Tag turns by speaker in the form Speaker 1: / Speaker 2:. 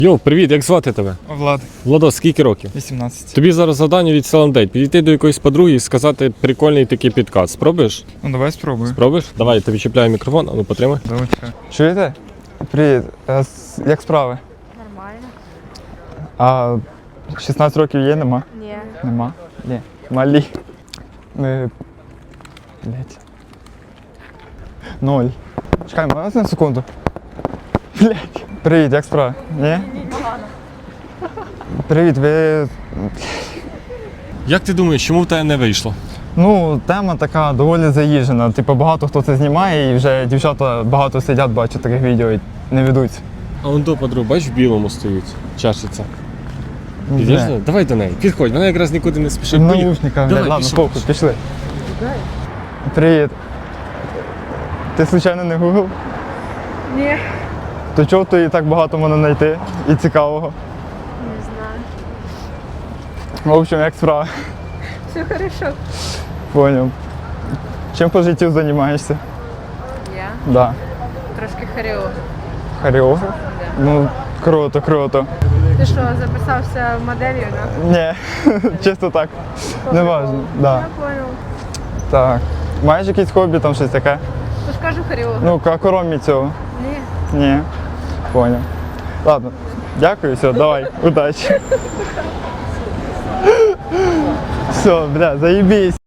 Speaker 1: Йоу, привіт, як звати тебе?
Speaker 2: Влад,
Speaker 1: Владос, скільки років?
Speaker 2: 18.
Speaker 1: Тобі зараз завдання від Селандейт. Підійти до якоїсь подруги і сказати прикольний такий підказ. Спробуєш?
Speaker 2: Ну давай спробую.
Speaker 1: Спробуєш? Давай, я тобі чіпляю мікрофон, а ну потримай.
Speaker 2: Давай. Чуєте? Привіт. Як справи?
Speaker 3: Нормально.
Speaker 2: А 16 років є, нема?
Speaker 3: Ні.
Speaker 2: Нема? Ні. Малі. Ми... Блять. 0. Чекай, можна на секунду? Блять. Привіт, як справи? Ні?
Speaker 3: Погано.
Speaker 2: Привіт, ви...
Speaker 1: Як ти думаєш, чому в тебе не вийшло?
Speaker 2: Ну, тема така доволі заїжджена. Типу, багато хто це знімає і вже дівчата багато сидять, бачать таких відео і не ведуться.
Speaker 1: А он до подруг, бачиш, в білому стоїть, чашиться. Підеш
Speaker 2: Не.
Speaker 1: до неї? Давай до неї, підходь, вона якраз нікуди не спішить.
Speaker 2: В
Speaker 1: Поїхали.
Speaker 2: наушниках,
Speaker 1: Давай,
Speaker 2: ладно,
Speaker 1: пішов,
Speaker 2: похуй, пішли. Привіт. Ти случайно не Google?
Speaker 3: Ні.
Speaker 2: То чого ти так багато можна знайти і цікавого?
Speaker 3: Не знаю.
Speaker 2: В общем, як справа?
Speaker 3: Все хорошо.
Speaker 2: Поняв. Чим по життю займаєшся?
Speaker 3: Я
Speaker 2: Да.
Speaker 3: трошки хореограф.
Speaker 2: Хореограф?
Speaker 3: Да.
Speaker 2: Ну, круто, круто.
Speaker 3: Ти що, записався моделью, да?
Speaker 2: Ні, чисто так. Не важно. Да.
Speaker 3: Я понял.
Speaker 2: Так. Маєш якісь хобі, там щось таке?
Speaker 3: Тож кажу хореограф.
Speaker 2: Ну, крім цього.
Speaker 3: Ні.
Speaker 2: Ні. Поняв. Ладно. Дякую, все, давай, удачі. Все, бля, заебись.